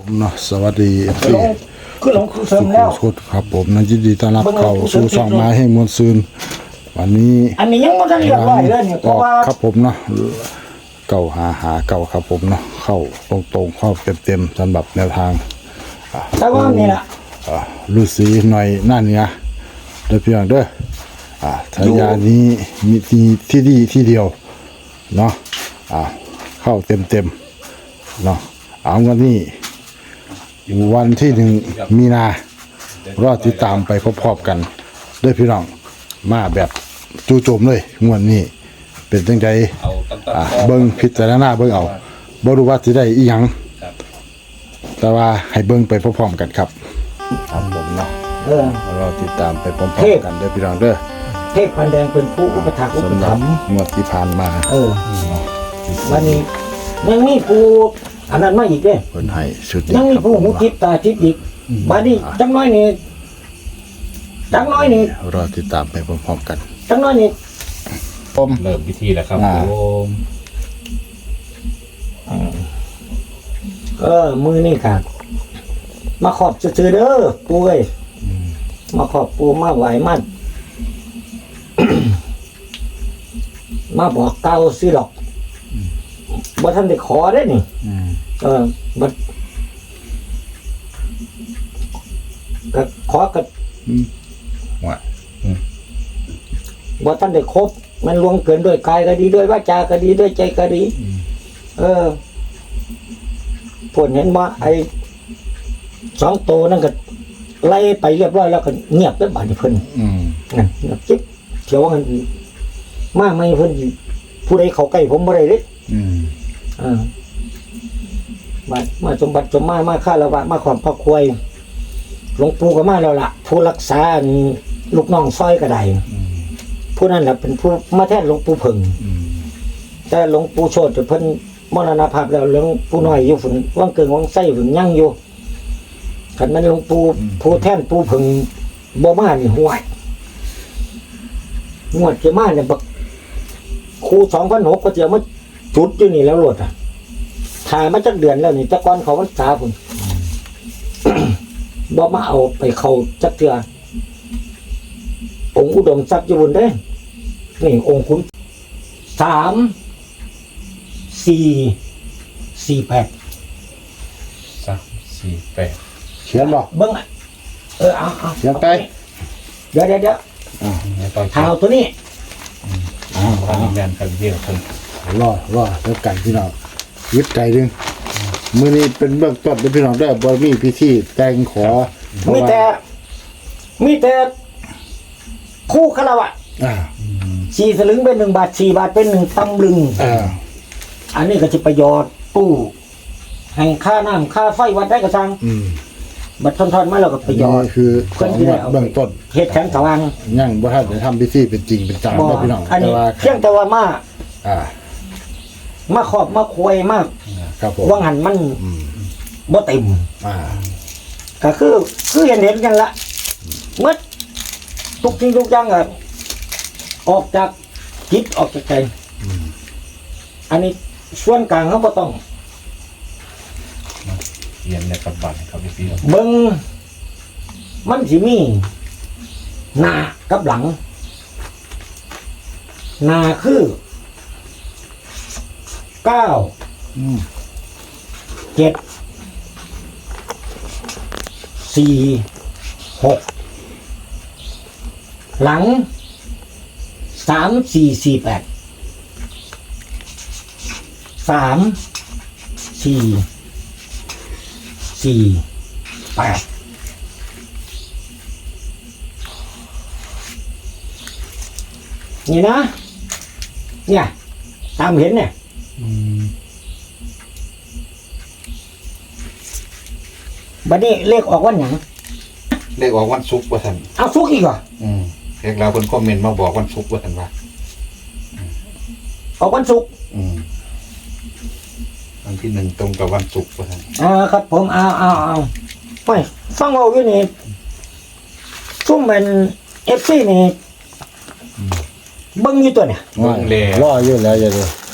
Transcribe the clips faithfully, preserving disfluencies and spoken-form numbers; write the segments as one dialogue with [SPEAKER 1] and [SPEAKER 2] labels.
[SPEAKER 1] เนาะสวัสดีเอฟซี
[SPEAKER 2] คือหลงคือเสริมแล้ว
[SPEAKER 1] สุดครับผมนั่นยินดีต้อนรับเข้าสู่ช่องมาให้มวลซืนวันนี้
[SPEAKER 2] อันนี้ยังไม่ทันเรียบร้อยเลยเนี่ยเพ
[SPEAKER 1] ออ
[SPEAKER 2] ราะ
[SPEAKER 1] ก
[SPEAKER 2] ว่า
[SPEAKER 1] ครับผมเนาะเก่าหาหาเก่าครับผมเนาะเข้าตรงๆเข้าเต็มๆสำหรับแนวทาง
[SPEAKER 2] แต่ว่านี่แหละ
[SPEAKER 1] อ่าฤาษีหน่อยหน้าเหนือเด้อพี่น้องเด้ออ่าทายานี้มีที่ที่ดีที่เดียวเนาะอ่าเข้าเต็มๆเนาะเอาวันนี้วันที่หนึ่งมีนารอติดตามไปพร้อมๆกันเด้อพี่น้องมาแบบจู่โจมเลยงวดนี้เป็นจังไดอ่าเบิ่งพิจารณาเบิ่งเอาบ่รู้ว่าสิได้อีหยังแต่ว่าให้เบิ่งไปพร้อมๆกันครับครับผมเนาะ
[SPEAKER 2] เออ
[SPEAKER 1] เราติดตามไปพร้อมๆกันเด้อพี่น้องเด้อ
[SPEAKER 2] เทพพันแดงเป็นผู้อุปถัมภ์อุป
[SPEAKER 1] สำหรั
[SPEAKER 2] ถั
[SPEAKER 1] บ
[SPEAKER 2] มภ์
[SPEAKER 1] งวดที่ผ่านมา
[SPEAKER 2] เออวันนี้ยังมีผู้อันนั้นมาอีกเด้
[SPEAKER 1] เพิ่นให้ชุดนี้
[SPEAKER 2] ยังมี
[SPEAKER 1] ครับ
[SPEAKER 2] ผู้
[SPEAKER 1] ผม
[SPEAKER 2] หูทิพตาทิพอีกบัดนี้จังน้อยนี่จังน้อยนี่
[SPEAKER 1] รอติดตามไปพร้อมๆกัน
[SPEAKER 2] จังน้อยนี่
[SPEAKER 1] ผม
[SPEAKER 3] เริ่มพิธีแล้วครับ
[SPEAKER 1] อ่า
[SPEAKER 3] ผม
[SPEAKER 2] เออมือนี่ค่ะมาขอบซื่อๆเด้อปู่เอ้ยมาขอบปู่มาไหวมัน มาบอกเก่าสิหรอกบ่ทันได้ขอได้นี่
[SPEAKER 1] อืม
[SPEAKER 2] เออบัดก็ขอกับ
[SPEAKER 3] ว่า
[SPEAKER 2] บ่ทันได้ครบมันลวงเกินด้วยกายก็ดีด้วยวาจาก็ดีด้วยใจก็ดี เออผลเห็นว่าไอ้สองโตวนั่นก็ไล่ไปเรียบร้อยแล้วก็เงียบแล้วบาดนี้เพิ่น
[SPEAKER 1] อืม
[SPEAKER 2] นั่นเงียบจิ๊บเที่ยวกันมาไม่เพิ่นสิผู้ใดเข้าใกล้ผมบ่ได้เด้
[SPEAKER 1] อืม
[SPEAKER 2] เออมามาสมบัติสมมามาค่าละวะมาความพระควยหลวงปู่ก็มาแล้วล่ะ ผู้รักษาอันลูกน้องซอยก็ได้ผู้นั้นแหละเป็นผู้มาแทนหลวงปู่เพิ่ง
[SPEAKER 1] อืม
[SPEAKER 2] แต่หลวงปู่โชติเพิ่นมรณภาพแล้วหลวงปู่น้อยอยู่ฝุ่นว่างเกิงว่างไส้ฝุ่นยั่งอยู่คันนั้นหลวงปู่ผู้แทนปู่เพิ่งบ่มานี่ห่วยงวดจะมาเนี่ยบักครูสองพันหกก็จะมาจุดอยู่นี่แล้วโลดอ่ะถ่ายมาจักเดือนแล้วนี่แตะกอนเขาพรรษาพุ่น บ่มาเอาไปเข้าจักเทื่อองค์อุดมทรัพย์อยู่บนเด้นี่องค์คุณสามสี่สี่แปด
[SPEAKER 3] สามสี่แปด
[SPEAKER 1] เขียนบ่
[SPEAKER 2] เบิ้งอ่ะเออเอาเอา
[SPEAKER 1] เขียนไป
[SPEAKER 2] เดี๋ยวเดี๋ยวเดี๋ยว
[SPEAKER 3] ไม่ต้อง
[SPEAKER 2] ข่าวตัวนี้
[SPEAKER 1] อ้าว
[SPEAKER 3] ทำแมนกันเดียวผม
[SPEAKER 1] รอรอแล้วกันพี่น้องยึดใจดึงมื้อนี้เป็นเบื้องต้นเด้อพี่น้องเด้อบ่มีพิธีแต่งขอเพราะ
[SPEAKER 2] มี
[SPEAKER 1] ว่า
[SPEAKER 2] แต่ มีแต่คู่คารวะ
[SPEAKER 1] อ่า
[SPEAKER 2] สี่สลึงเป็นหนึ่งบาทสี่บาทเป็นหนึ่งตำลึง
[SPEAKER 1] อ่า
[SPEAKER 2] อันนี้ก็จะประโยชน์ตู้ให้ค่าน้ำค่าไฟวัดได้กระชัง
[SPEAKER 1] อืม
[SPEAKER 2] บัตรทอนๆมาแล้วก็ประโยชน์
[SPEAKER 1] นี่คือของงวดเบื้องต้น
[SPEAKER 2] เหตุแข็งสว่าง
[SPEAKER 1] ยังบ่ทันได้ทำพิธีเป็นจริงเป็นจัง
[SPEAKER 2] บ่
[SPEAKER 1] เด้อพี่น้อง
[SPEAKER 2] อัน
[SPEAKER 1] แต่
[SPEAKER 2] นี้
[SPEAKER 1] ว่า
[SPEAKER 2] เพียงแต่ว่ามา
[SPEAKER 1] อ่า
[SPEAKER 2] มาขอบมาควยมาก
[SPEAKER 1] ครับผม
[SPEAKER 2] ว่างันมัน
[SPEAKER 1] อืม
[SPEAKER 2] บ่เต็ม
[SPEAKER 1] อ่า
[SPEAKER 2] ก็คือคือเห็นเห็นกันละเมื่อทุกสิ่งทุกอย่างอะออกจากจิตออกจากใจอันนี้ส่วนกลางเขาก็ต้อง
[SPEAKER 3] เรียนในปัจจุบันครับพี่พี่
[SPEAKER 2] เบิ้งมันสิมีหน้ากับหลังหน้าคือเก้า
[SPEAKER 1] อืม
[SPEAKER 2] เจ็ดสี่หกหลังสามสี่สี่แปดสามสี่สี่แปดนี่นะ เนี่ย ตามเห็นเนี่ยบัดนี้เลขออกวันหยัง
[SPEAKER 4] เลขออกวันศุกร์ว่าท่าน
[SPEAKER 2] เอาซุกอีกเหรอ
[SPEAKER 4] อืมเลขเราคนคอมเมนต์มาบอกวันศุกร์ว่าท่านว่า
[SPEAKER 2] ออกวันศุกร์
[SPEAKER 4] อืมวันที่หนึ่งตรงกับวันศุกร์ว่าท่าน
[SPEAKER 2] อ่าครับผมเอาเอาเอาไม่ฟังเอาอยู่นี่ซุ่มเป็นเอฟซีนี่เบิ้งอยู่ตัวเนี่ย
[SPEAKER 1] ว่า
[SPEAKER 3] เล่
[SPEAKER 1] รออยู่แล้วอย่าดู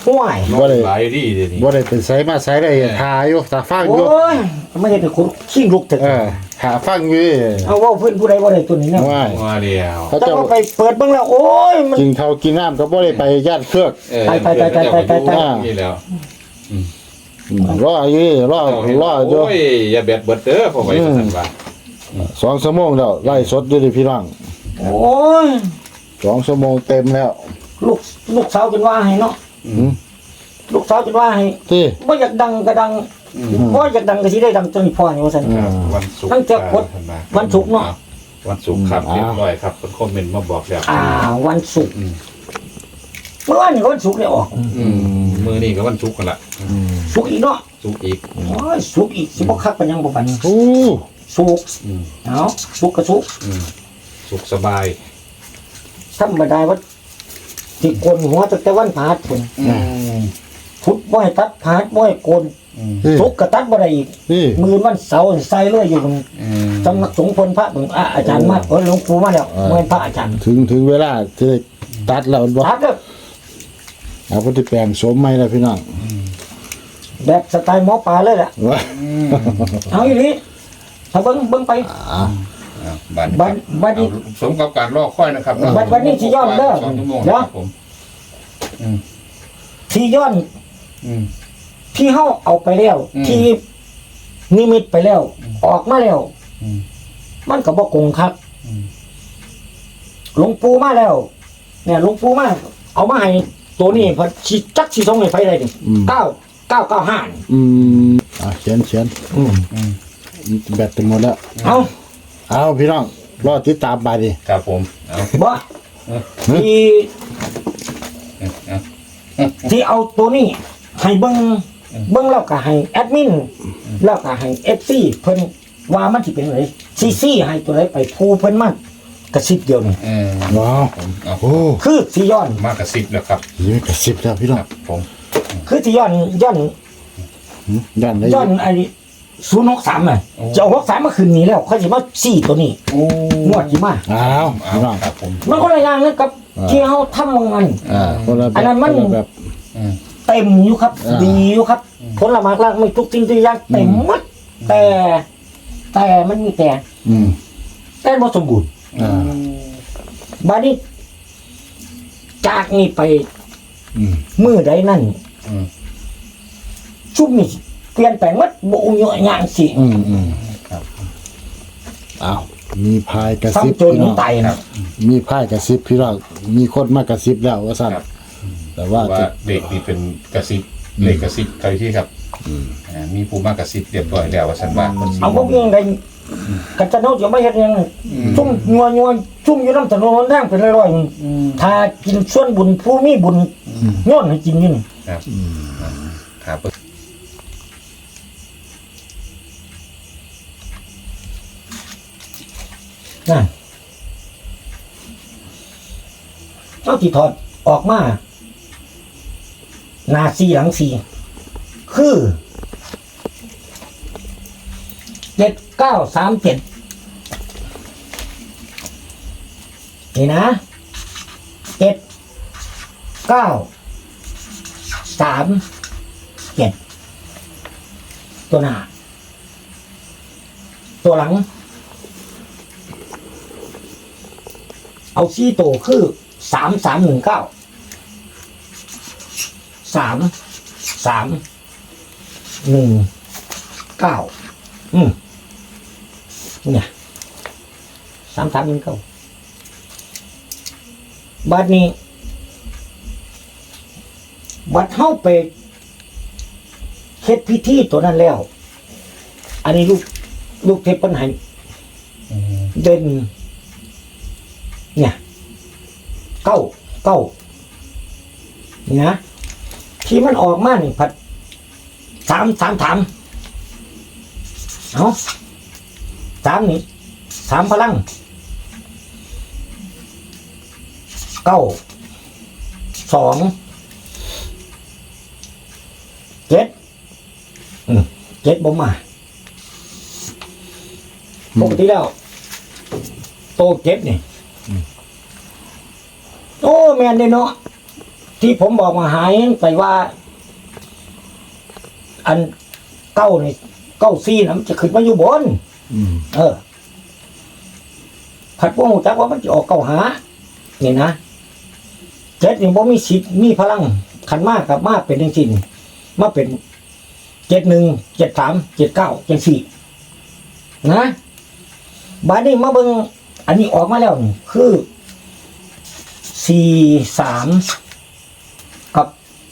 [SPEAKER 2] ห่วย
[SPEAKER 1] บ่ได้
[SPEAKER 4] หลายดีเดี๋ยวนี้
[SPEAKER 1] บ่ได้เป็นไสมาไสได้ทาอยู่ตาฟัง
[SPEAKER 2] โอ้
[SPEAKER 1] อยู่
[SPEAKER 2] ยไม่เห็นแต่คนขี้ลุกเถ
[SPEAKER 1] เอ
[SPEAKER 2] อะ
[SPEAKER 1] อหาฟังอยู่
[SPEAKER 2] เอาว่าเพื่อนผู้ใดบ่ได้ตัวนี้เนี่ย
[SPEAKER 1] ว่า
[SPEAKER 4] มาเดียว
[SPEAKER 1] เขา
[SPEAKER 2] แต่
[SPEAKER 1] เจ้า
[SPEAKER 2] ว่าไปเปิดเบิ่งแล้วโอ้ยมัน
[SPEAKER 1] กินข้าวกินน้ำก็บ่ได้ไปญาติเครือก
[SPEAKER 4] เออ
[SPEAKER 2] ไปไปไปไปไปไปไป
[SPEAKER 4] นี่แล้ว
[SPEAKER 1] อืมรออยู่รอรออยู่
[SPEAKER 4] โอ้ยอย่าแบดเบิดเด้อพอไว้ท่านว่า
[SPEAKER 1] สองชั่วโมงแล้วไล่สดอยู่ดิพี่น้อง
[SPEAKER 2] โอ้ย
[SPEAKER 1] สองชั่วโมงเต็มแล้ว
[SPEAKER 2] ลูกลูกสาวจนว่าให้เนาะ
[SPEAKER 1] อืม
[SPEAKER 2] ลูกสาวจนว่าให้
[SPEAKER 1] ที่
[SPEAKER 2] บ่อยากดังก็ดังบ่อยากดังก็สิได้ดังจนพ่อนี่ว่าซั่น
[SPEAKER 1] อืม
[SPEAKER 4] วันศุกร์
[SPEAKER 2] ตั้งแต่กด
[SPEAKER 4] ท่านว่า
[SPEAKER 2] วันศุกร์เนาะ
[SPEAKER 4] วันศุกร์ครับ
[SPEAKER 1] อืม
[SPEAKER 4] เรียบร้อยครับคนคอมเมนต์มาบอกแล้ว
[SPEAKER 2] อ่าวันศุกร์
[SPEAKER 4] อืม
[SPEAKER 2] เมื่อวานนี่ก็วันศุกร์เนี่ยออก
[SPEAKER 4] อืมมือนี่ก็วันศุกร์กันละ
[SPEAKER 1] อืม
[SPEAKER 2] ศุกร์อีกเนาะ
[SPEAKER 4] ศุกร์อีก
[SPEAKER 2] โอ้ยศุกร์อีกสิบ่คักปานยังบ่ปานนี้
[SPEAKER 1] โอ้
[SPEAKER 2] ศุกร์
[SPEAKER 4] อืม
[SPEAKER 2] เอาศุกร์ก็ศุกร์
[SPEAKER 4] อืมสุขสบาย
[SPEAKER 2] ธรรมดาว่าสิโกนหัวตั้งแต่วันพฤหัสพุ่น
[SPEAKER 4] อืม
[SPEAKER 2] พุธบ่ให้ตัดพฤหัสบ่ให้โกน
[SPEAKER 4] อืม
[SPEAKER 1] ที่
[SPEAKER 2] ศุกร์ก็ตัดบ่ได้อีก
[SPEAKER 1] ที่
[SPEAKER 2] มื้อวันเสาร์ใส่เลยอยู่บน
[SPEAKER 4] อืม
[SPEAKER 2] สำนักสงฆ์พลพระเบิ่งอ่ะอาจารย์มาเออหลวงปู่มาแล้วบ่เป็นพระอาจารย์
[SPEAKER 1] ถึงถึงเวลาที่ได้ตัดแล้วบ่
[SPEAKER 2] ตัดเด้อ
[SPEAKER 1] เอาพุทธิแปลงสมใหม่แล้วพี่น้อง
[SPEAKER 2] แบบสไตล์หมอปลาเลยล่ะ
[SPEAKER 1] ว่า
[SPEAKER 2] เอาอีหลีถ้าเบิ่งเบิ่งไป
[SPEAKER 1] อ่า
[SPEAKER 4] อ่าบัด
[SPEAKER 2] บัดบัดนี้
[SPEAKER 4] เอาสมกับการรอคอยนะครับ
[SPEAKER 2] บัดบัดนี้สิย้อนเด้อ
[SPEAKER 4] สองชั่วโมง
[SPEAKER 2] เดี๋ยว
[SPEAKER 4] ครับผมอืม
[SPEAKER 2] ที่ย้อน
[SPEAKER 4] อืม
[SPEAKER 2] ที่เฮาเอาไปแล้ว
[SPEAKER 4] อืม
[SPEAKER 2] ที่นิมิตไปแล้ว ออกมาแล้ว
[SPEAKER 4] อืม
[SPEAKER 2] มันก็บ่คงคัก
[SPEAKER 4] อืม
[SPEAKER 2] หลวงปู่มาแล้ว เนี่ยหลวงปู่มาเอามาให้ตัวนี้เพอสิจักสิส่งให้ไผได้ดิ
[SPEAKER 1] อืม
[SPEAKER 2] เก้าเก้าเก้าห้า
[SPEAKER 1] อืมอ่ะเขียนเขียน
[SPEAKER 2] อืม
[SPEAKER 4] อืม
[SPEAKER 1] แบตจะหมดแล้ว
[SPEAKER 2] เอา
[SPEAKER 1] เอาพี่น้องรอติดตามไปดิ
[SPEAKER 4] ครับผมเอา
[SPEAKER 2] บ่ที่
[SPEAKER 4] เอา
[SPEAKER 2] ที่เอาตัวนี้ ให้เบิ่งเบิ่งแล้วก็ให้แอดมินแล้วก็ให้ เอฟ ซี เพิ่นว่ามันสิเป็นไงซีซีให้ตัวใดไปผู้เพิ่นมันกระซิบเดียวนี่
[SPEAKER 4] เออ
[SPEAKER 1] ว้าว
[SPEAKER 4] ผมเอา
[SPEAKER 1] โอ้
[SPEAKER 2] คือสิย้อน
[SPEAKER 4] มากระซิบแล้วครับ
[SPEAKER 1] ยงกระสิบแล้วพี่น้อ
[SPEAKER 4] ค
[SPEAKER 1] ง
[SPEAKER 4] รับผม
[SPEAKER 2] คือสิย้อนย้อน
[SPEAKER 1] หืมย่านได้
[SPEAKER 2] ย้อนไอ้ศูนย์หกสามน่ะจะเอาหกสามมาคืนนี้แล้วค่อยสิมาซี่ตัวนี้
[SPEAKER 4] โอ้
[SPEAKER 2] งวดสิมา
[SPEAKER 1] อ้าว
[SPEAKER 4] เอา
[SPEAKER 1] พี่น้อง
[SPEAKER 4] ครับผม
[SPEAKER 2] มันก็ละอย่างนะกับที่เฮาทำมัน
[SPEAKER 1] อ่าคนละแบบ
[SPEAKER 2] อันนั้นมัน
[SPEAKER 1] คละแบบ
[SPEAKER 4] อืม
[SPEAKER 2] เต็มอยู่ครับ
[SPEAKER 1] อ่า
[SPEAKER 2] ดีอยู่ครับผลไม้ล่างไม่ทุกสิ่งทุกอย่างเต็มหมดแต่ แต่มันมีแต่
[SPEAKER 1] อืม
[SPEAKER 2] แต่บ่สมบูรณ์
[SPEAKER 1] อ่า
[SPEAKER 2] บัดนี้จากนี้ไป
[SPEAKER 1] อืม
[SPEAKER 2] มือใดนั่น
[SPEAKER 4] อืม
[SPEAKER 2] ชุบนี่เปลี่ยนแปลงหมดบ่อุ้งยอย่างสิ
[SPEAKER 1] อืมอืม
[SPEAKER 4] ครับ
[SPEAKER 1] อ้าวมีพายกระซิบ
[SPEAKER 2] ซ้ำจน
[SPEAKER 1] พี่
[SPEAKER 2] มั
[SPEAKER 1] น้
[SPEAKER 2] น
[SPEAKER 1] อง
[SPEAKER 2] ตายนะ
[SPEAKER 1] มีพายกระซิบพี่น้องมีคนมากระซิบแล้วว่าสั่น
[SPEAKER 4] ครับ
[SPEAKER 1] แต่ว่า
[SPEAKER 4] ว่า
[SPEAKER 1] จะ
[SPEAKER 4] เด็กนี่เป็นกระซิบเลขกระซิบใครที่ครับอ่ามีผู้มากกระซิบเรียบร้อยแล้วว่าสันว่าคนสิ
[SPEAKER 2] เอาพวกยังไงกันจะโน้ตจะไม่เห็นยังชุ่มงัวงัวชุ่มอยู่น้ำถนนทางเป็นร้อยๆถ้ากินส่วนบุญผู้มีบุญย้อนให้กินนี่
[SPEAKER 4] ครับครับ
[SPEAKER 2] นั่นเจ้าที่ถอดออกมาหน้าซีหลังซีคือเจ็ดเก้าสามเจ็ดนี่นะเจ็ดเก้าสามเจ็ดตัวหน้า ตัวหลัง เอาซี่โตวคือสามสามหนึ่งเก้าสามสามหนึ่งเก้าอืมเนี่ยสามสามหนึ่งเก้าบัดนี้ บัดเข้าไปเฮ็ดพิธีตัวนั้นแล้ว อันนี้ลูกลูกเทพปัญหาเด่น เนี่ยเก้าเก้านี่นะที่มันออกมานี่ผัดสามสามถามเอาสามนี่สามพลังเก้าสองเจ็ดอืมเจ็ดบ่มาปกติแล้วโตเจ็ดนี่โอ้แมนเลยเนาะที่ผมบอกมาหายไปว่า อันเก้านี่เก้าซี่นะมันจะขึ้นมาอยู่บน
[SPEAKER 1] อืม
[SPEAKER 2] เออผัดพวกหูจักว่ามันจะออกเก้าหานี่นะเจ็ดนี่บ่มีสิทธิ์มีพลังขันมากกับมากเป็นจริงๆมาเป็นเจ็ดหนึ่งเจ็ดสามเจ็ดเก้าเจ็ดสี่นะบาดนี้มาเบิ่งอันนี้ออกมาแล้วนี่คือสี่สามกับ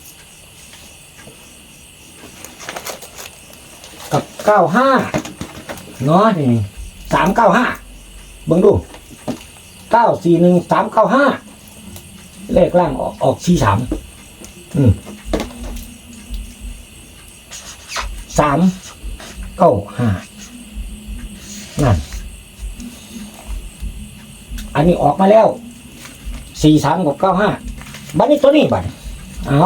[SPEAKER 2] กับเก้าห้าเนาะนี่สามเก้าห้าเบิ่งดูเก้าสี่หนึ่งสามเก้าห้าเลขล่างออกออกสี่สามอืมสามเก้าห้านั่นอันนี้ออกมาแล้วสี่สามกับเก้าห้าบัดนี้ตัวนี้บัดเอา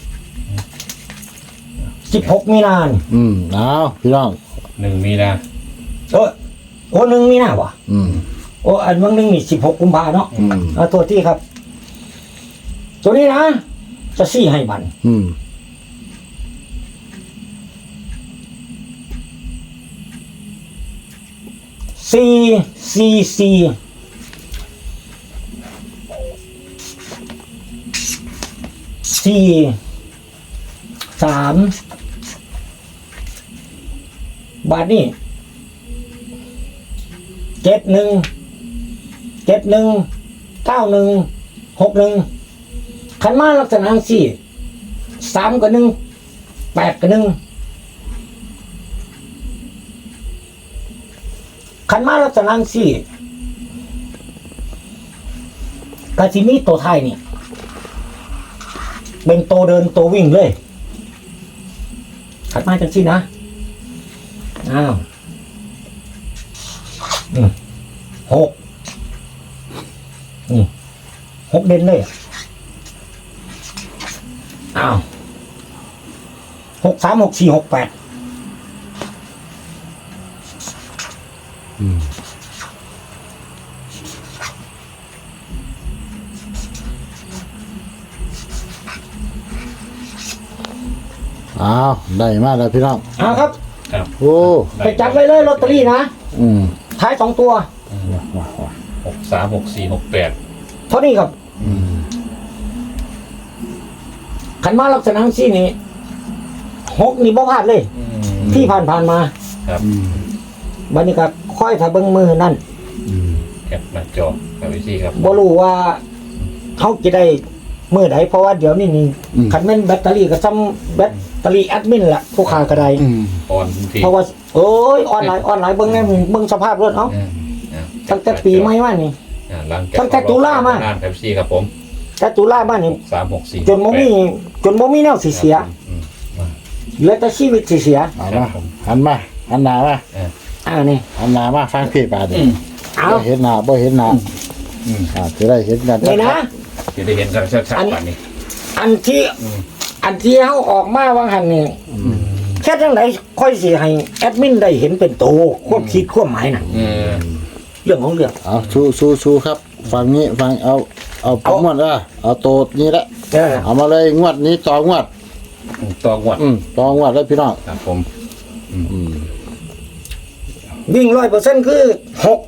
[SPEAKER 2] สิบหกมีนาน
[SPEAKER 1] อืมเอาพี่น้อง
[SPEAKER 3] หนึ่งมีนา
[SPEAKER 2] เออโอ้หนึ่งมีนาวะ
[SPEAKER 1] อืม
[SPEAKER 2] โอ้อันวันหนึ่งนี่สิบหกกุมภาเนาะ
[SPEAKER 1] อืม
[SPEAKER 2] เอาตัวที่ครับ ตัวนี้นะ จะซี่ให้มัน
[SPEAKER 1] อืม
[SPEAKER 2] สี่สี่สี่สี่สามบาทนี่เจ็ดหนึ่งเจ็ดหนึ่งเก้าหนึ่งหกหนึ่งขันมาลักษณะสี่สามกับหนึ่งแปดกับหนึ่งขันมาลักษณะสี่กาซิมีตัวไทยนี่เป็นตัวเดินตัววิ่งเลยขันมาจังสี่นะอ้าวอืมหกนี่หกเด่นเลยอ้าวหกสามหกสี่หกแปด
[SPEAKER 1] อืมอ้าวได้มาแล้วพี่น้อง
[SPEAKER 2] อ้าวครับ
[SPEAKER 3] ครับ
[SPEAKER 1] โอ้
[SPEAKER 2] ไปจับไว้เลยลอตเตอรี่นะ
[SPEAKER 1] อืม
[SPEAKER 2] ท้ายสองตัว
[SPEAKER 1] ว้าวว้าวว้าว
[SPEAKER 3] หกสามหกสี่หกแปด
[SPEAKER 2] เท่านี้ครับ
[SPEAKER 1] อืม
[SPEAKER 2] ขันมาลักษณะสี่นี่หกนี่บ่พลาดเลย ที่ผ่านผ่านๆมา
[SPEAKER 3] ครับ
[SPEAKER 1] อืม
[SPEAKER 2] บัดนี้ก็ค่อยถ้าเบิ่งมือนั่น
[SPEAKER 1] อืม
[SPEAKER 3] แคปหน้าจอครับพี่ซี่ครับ
[SPEAKER 2] บ่รู้ว่าเขาจะได้มือใดเพราะว่าเดี๋ยวนี้นี่คันแม่นแบตเตอรี่ก็ซ้ำแบตเตอรี่แอดมินล่ะผู้ค้าก็ได้
[SPEAKER 1] อืม
[SPEAKER 3] ออนพี่
[SPEAKER 2] เพราะว่าโอ้ยออนไลน์ออนไลน์เบิ่งแน่เบิ่งสภาพรถเอ้า
[SPEAKER 3] อ่าอ่า
[SPEAKER 2] ตั้งแต่ปีใหม่มานี่
[SPEAKER 3] อ่าหลัง
[SPEAKER 2] ตั้งแต่ตุลามา
[SPEAKER 3] นานครับพี่ซี่ครับผม
[SPEAKER 2] แต่ตุลามานี่
[SPEAKER 3] สามหกสี่
[SPEAKER 2] จนบ่มีจนบ่มีแนวสิเสีย
[SPEAKER 3] อืม
[SPEAKER 2] เหลือแต่ชีวิตสิเสีย
[SPEAKER 1] เอามาหันมาหันหน้ามา
[SPEAKER 2] อ่านี่
[SPEAKER 1] หันหน้ามาฟังพี่บาดนี่
[SPEAKER 2] เอา
[SPEAKER 1] บ่เห็นหน้าบ่เห็นหน้า
[SPEAKER 3] อืม
[SPEAKER 1] อ่าจะได้เห็นกัน
[SPEAKER 2] นี่นะ
[SPEAKER 3] จะได้เห็นกันชัดๆกว่านี้
[SPEAKER 2] อันที่
[SPEAKER 3] อืม
[SPEAKER 2] อันที่เฮาออกมาว่าหั่นนี่แค่จังไดค่อยสิให้แอดมินได้เห็นเป็นโตความคิดความหมายน่ะ
[SPEAKER 3] เออ
[SPEAKER 2] เรื่องของเรื่อง
[SPEAKER 1] เอาชูชูชูครับฟังนี้ฟังเอาเอาผมงวดละเอาโตดนี้ละ
[SPEAKER 2] เออ
[SPEAKER 1] เอามาเลยงวดนี้ต่องวด
[SPEAKER 3] ตองวัด
[SPEAKER 1] อืมต่องวดแล้วพี่น้อง
[SPEAKER 3] ครับผม
[SPEAKER 1] อืม
[SPEAKER 2] วิ่งร้อยเปอร์เซ็นต์คือหก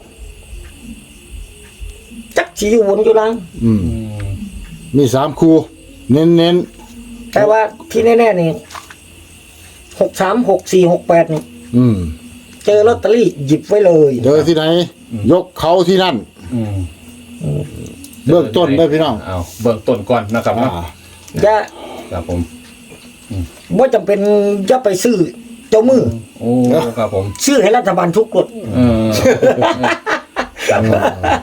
[SPEAKER 2] จักสิอยู่บนอยู่ล่าง
[SPEAKER 1] อืม
[SPEAKER 3] อืม
[SPEAKER 1] มีสามคู่เน้นเน้น
[SPEAKER 2] แต่ว่าที่แน่ๆนี่หกสามหกสี่หกแปดนี่
[SPEAKER 1] ๆอืม
[SPEAKER 2] เจอลอตเตอรี่หยิบไว้เลย
[SPEAKER 1] เจอที่ไหน ยกเขาที่นั่น
[SPEAKER 3] อืม
[SPEAKER 1] เบื้องต้นได้อพี่น้อง
[SPEAKER 3] เอาเบื้องต้นก่อนนะครับ
[SPEAKER 1] อ่า
[SPEAKER 3] เนาะ
[SPEAKER 2] อย่า
[SPEAKER 3] ครับผม
[SPEAKER 2] บ่จำเป็นจะไปซื้อเจ้ามือ
[SPEAKER 3] โอ้ครับผม
[SPEAKER 2] ซื้อให้รัฐบาลทุกกฎ
[SPEAKER 3] เออครับผม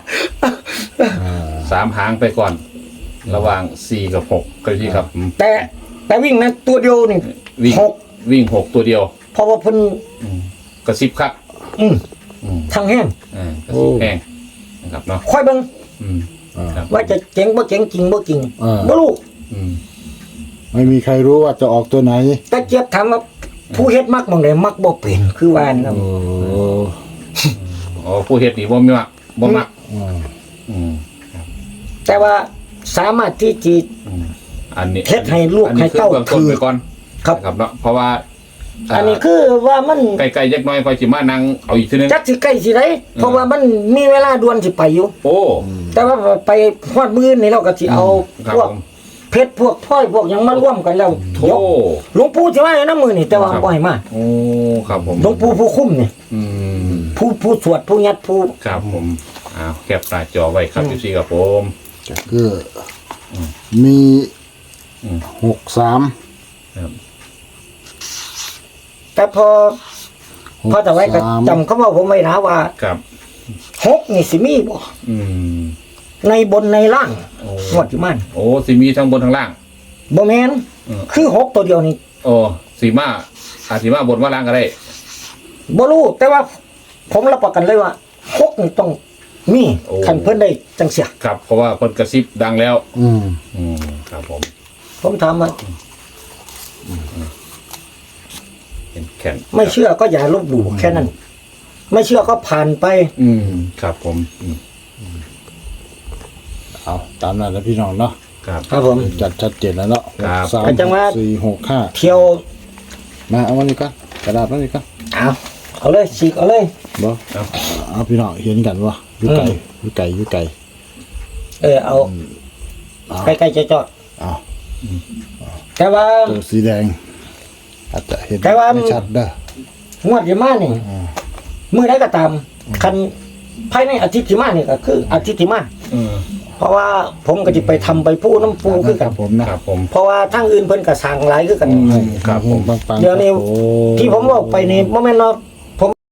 [SPEAKER 3] สามหางไปก่อน ระหว่างสี่กับหกก็ที่ครับ
[SPEAKER 2] แต่แต่วิ่งนะตัวเดียวนี่
[SPEAKER 3] วิ่ง
[SPEAKER 2] หก
[SPEAKER 3] วิ่งหกตัวเดียว
[SPEAKER 2] เพราะว่าเพิ่น
[SPEAKER 3] กระซิบครับ
[SPEAKER 2] อืม
[SPEAKER 3] อืม
[SPEAKER 2] ทางแห้ง
[SPEAKER 3] อ่ากระซิบแห้งนะครับเนาะ
[SPEAKER 2] ค่อยเบิ่ง
[SPEAKER 3] อืม
[SPEAKER 1] อ่า
[SPEAKER 3] ครับ
[SPEAKER 2] ว่าจะเจ๋งบ่เจ๋งจริงบ่จริง
[SPEAKER 1] อ่า
[SPEAKER 2] บ่รู้
[SPEAKER 3] อืม
[SPEAKER 1] ไม่มีใครรู้ว่าจะออกตัวไหน
[SPEAKER 2] แต่เจี๊ยบถามว่าผู้เฮ็ดมักหม่องใดมักบ่เป็นคือว่านะ
[SPEAKER 1] โอ้
[SPEAKER 3] อ๋อผู้เฮ็ดนี่บ่มีมักบ่มัก
[SPEAKER 1] อ่า
[SPEAKER 3] อืม
[SPEAKER 2] แต่ว่าสามารถที่จะ
[SPEAKER 3] อืมอันนี้
[SPEAKER 2] เฮ็ดให้ลูก
[SPEAKER 3] อันนี้
[SPEAKER 2] ให้เต้า
[SPEAKER 3] คือเบื้องต้นไปก่อน
[SPEAKER 2] ครับ
[SPEAKER 3] นะครับเนาะเพราะว่า
[SPEAKER 2] อันนี้คือว่ามัน
[SPEAKER 3] ไกลๆยักน้อยคอยสิมานั่งเอาอีกทีนึง
[SPEAKER 2] จักสิใกล้สิได้เพราะว่ามันมีเวลาด่วนสิไปอยู่
[SPEAKER 3] โอ้
[SPEAKER 2] แต่ว่าไปฮอดมื้อนี่เราก็สิเอา
[SPEAKER 3] ครับ
[SPEAKER 2] พวก
[SPEAKER 3] ผม
[SPEAKER 2] เพชรพวกพลอยพวกหยังมาร่วมกันแล้ว
[SPEAKER 3] โธ่
[SPEAKER 2] เดี๋ยวหลวงปู่สิมาให้น้ำมือนี่แต่ว่า
[SPEAKER 3] ครับ
[SPEAKER 2] บ่ให้มา
[SPEAKER 3] โอ้ครับผม
[SPEAKER 2] หลวงปู่ผู้คุ้มนี่
[SPEAKER 3] อืม
[SPEAKER 2] ผู้ผู้สวดผู้ยัดผู้
[SPEAKER 3] ครับผมอ้าวแคปหน้าจอไว้ครับพี่ซีครับผม
[SPEAKER 1] ก็คืออมี
[SPEAKER 3] อืม
[SPEAKER 1] หกสาม
[SPEAKER 3] ครับ
[SPEAKER 2] แต่พอพอจะไว้ก็จำเขาว่าผมไว้นะว่า
[SPEAKER 3] ครับ
[SPEAKER 2] หกนี่สิมีบ่
[SPEAKER 3] อืม
[SPEAKER 2] ในบนในล่าง
[SPEAKER 3] โอ้
[SPEAKER 2] งวดที่มัน
[SPEAKER 3] โอ้สีมีทั้งบนทั้งล่าง
[SPEAKER 2] บ่แม่น
[SPEAKER 3] อืม
[SPEAKER 2] คือหกตัวเดียวนี่
[SPEAKER 3] โอ้สีมาอาสีมาบนว่าล่างก็ได้
[SPEAKER 2] บ่รู้แต่ว่าผมรับประกันเลยว่าหกนี่ต้องมี
[SPEAKER 3] โอ้
[SPEAKER 2] คันเพิ่นได้จังเสีย
[SPEAKER 3] ครับเพราะว่าคนกระซิบดังแล้ว
[SPEAKER 1] อืม
[SPEAKER 3] อืมครับผม
[SPEAKER 2] ผมถามว่า
[SPEAKER 3] เป็นแข่น
[SPEAKER 2] ไม่เชื่อก็อย่าลบหลู่แค่นั้น ไม่เชื่อก็ผ่านไป
[SPEAKER 3] อืมครับผมอืม
[SPEAKER 1] เอาตามนั้นแล้วพี่น้องเนาะ
[SPEAKER 3] ครับ
[SPEAKER 2] ครับผม
[SPEAKER 1] จัดชัดเจนแล้วเนาะ
[SPEAKER 3] ครับ
[SPEAKER 1] สาม
[SPEAKER 2] อาจารย์ว่า
[SPEAKER 1] สี่หกห้า
[SPEAKER 2] เที่ยว
[SPEAKER 1] มาเอาวันนี้ก่อนกระดาษมานี่ก่อน
[SPEAKER 2] เอาเอาเลยฉีกเอาเลย
[SPEAKER 1] บ่
[SPEAKER 3] เอา
[SPEAKER 1] เอาพี่น้องเห็นกันวะอยู่ไกล
[SPEAKER 2] อืม
[SPEAKER 1] อยู่ไกลอยู่ไกล
[SPEAKER 2] เออเอา
[SPEAKER 1] เอา
[SPEAKER 2] ใกล้ๆจะจอด
[SPEAKER 1] เอา
[SPEAKER 2] แต่ว่า
[SPEAKER 1] ตัวสีแดง อาจจะเห็น
[SPEAKER 2] แต่ว่า
[SPEAKER 1] ไม่ชัดเด้อง
[SPEAKER 2] วดที่มานี่มือได้ก็ตาม คันภายในอาทิตย์ที่มานี่ก็คืออาทิตย์ที่มา
[SPEAKER 3] อืม
[SPEAKER 2] เพราะว่าผมก็จะไปทำไปพูน้ำปูคือ
[SPEAKER 1] ค
[SPEAKER 2] กั
[SPEAKER 1] รั
[SPEAKER 2] น
[SPEAKER 1] บผมนะครับ
[SPEAKER 3] ผม
[SPEAKER 2] เพราะว่าทั้งอื่นเพิ่นก็สั่งหลายคือกัน
[SPEAKER 3] อืมครับผม
[SPEAKER 1] ปังๆ
[SPEAKER 2] เดี๋ยวนี้
[SPEAKER 1] โอ้
[SPEAKER 2] ที่ผมบอกไปนี่บ่แม่นว่า